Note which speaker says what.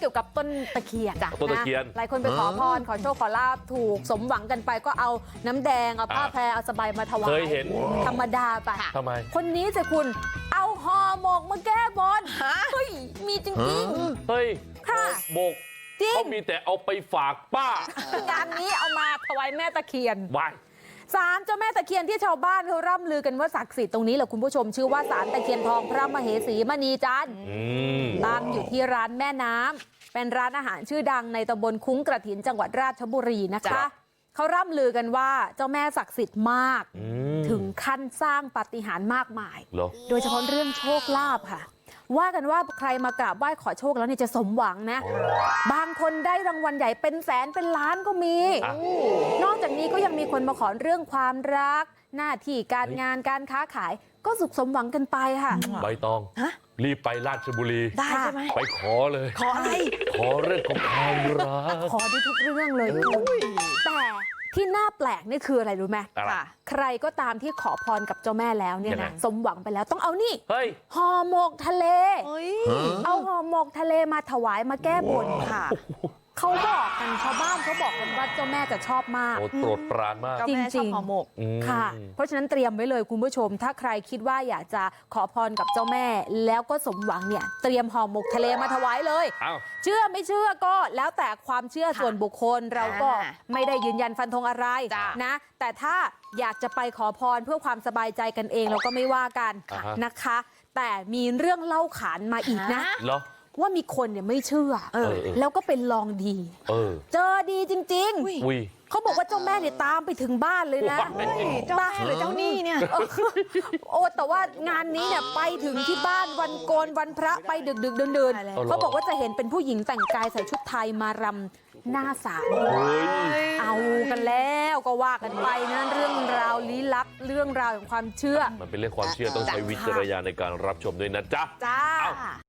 Speaker 1: กี่ยวกับต้นตะเคียน
Speaker 2: ต้นตะเคียน
Speaker 1: หลายคนไปขอพรขอโชคขอลาบถูกสมหวังกันไปก็เอาน้ำแดงเอาผ้าแพรเอาสบายมาถวาย
Speaker 2: เคยเห็น
Speaker 1: ธรรมดาไป
Speaker 2: ทำไม
Speaker 1: คนนี้สิคุณเอาห่อหมกมาแก้บนเฮ้ยมีจริง
Speaker 2: เฮ้ยหมกเขามีแต่เอาไปฝากป้าง
Speaker 1: านนี้เอามาถวายแม่ตะเคียน
Speaker 2: วาย
Speaker 1: ศาลเจ้าแม่ตะเคียนที่ชาวบ้านเขาร่ำลือกันว่าศักดิ์สิทธิ์ตรงนี้แหละคุณผู้ชมชื่อว่าศาลตะเคียนทองพระมเหสีมณีจันทร์ตั้งอยู่ที่ร้านแม่น้ำเป็นร้านอาหารชื่อดังในตำบลคุ้งกระถินจังหวัดราชบุรีนะคะเขาร่ำลือกันว่าเจ้าแม่ศักดิ์สิทธิ์มากถึงขั้นสร้างปาฏิหาริย์มากมายโดยเฉพาะเรื่องโชคลาภค่ะว่ากันว่าใครมากราบไหว้ขอโชคแล้วเนี่ยจะสมหวังนะบางคนได้รางวัลใหญ่เป็นแสนเป็นล้านก็มีนอกจากนี้ก็ยังมีคนมาขอเรื่องความรักหน้าที่การงานการค้าขายก็สุขสมหวังกันไปค่ะ
Speaker 2: ใบตองรีบไปราชบุรี
Speaker 1: ได้ใช่ไหม
Speaker 2: ไปขอเลย
Speaker 1: ขออะไร
Speaker 2: ขอเรื่องของความรัก
Speaker 1: ขอได้ทุกเรื่องเลยแต่ที่น่าแปลกนี่คืออะไรรู้ไหมใครก็ตามที่ขอพรกับเจ้าแม่แล้วเนี่ยนะสมหวังไปแล้วต้องเอานี่ห่อหมกทะเลเอาห่อหมกทะเลมาถวายมาแก้บนค่ะเขาบอกกันชาวบ้านเขาบอกกันว่าเจ้าแม่จะชอบมาก
Speaker 2: โปรดปรานมาก
Speaker 1: จริงๆห่อหมกค่ะเพราะฉะนั้นเตรียมไว้เลยคุณผู้ชมถ้าใครคิดว่าอยากจะขอพรกับเจ้าแม่แล้วก็สมหวังเนี่ยเตรียมห่อหมกทะเลมาถวายเลยเชื่อไม่เชื่อก็แล้วแต่ความเชื่อส่วนบุคคลเราก็ไม่ได้ยืนยันฟันธงอะไรนะแต่ถ้าอยากจะไปขอพรเพื่อความสบายใจกันเองเราก็ไม่ว่ากันนะคะแต่มีเรื่องเล่าขานมาอีกนะว่ามีคนเนี่ยไม่เชื่อแล้วก็เป็นลองดีเจอดีจริงๆเขาบอกว่าเจ้าแม่เนี่ยตามไปถึงบ้านเลยนะ
Speaker 3: เจ้าแม่หรือเจ้าหนี้เนี่ย
Speaker 1: โอ้แต่ว่างานนี้เนี่ยไปถึงที่บ้านวันโกนวันพระไปดึกเดินเขาบอกว่าจะเห็นเป็นผู้หญิงแต่งกายใส่ชุดไทยมารำหน้าศาลเอากันแล้วก็ว่ากันไปนะเรื่องราวลี้ลับเรื่องราวของความเชื่อ
Speaker 2: มันเป็นเรื่องความเชื่อต้องใช้วิจารณญาณในการรับชมด้วยนะจ๊ะ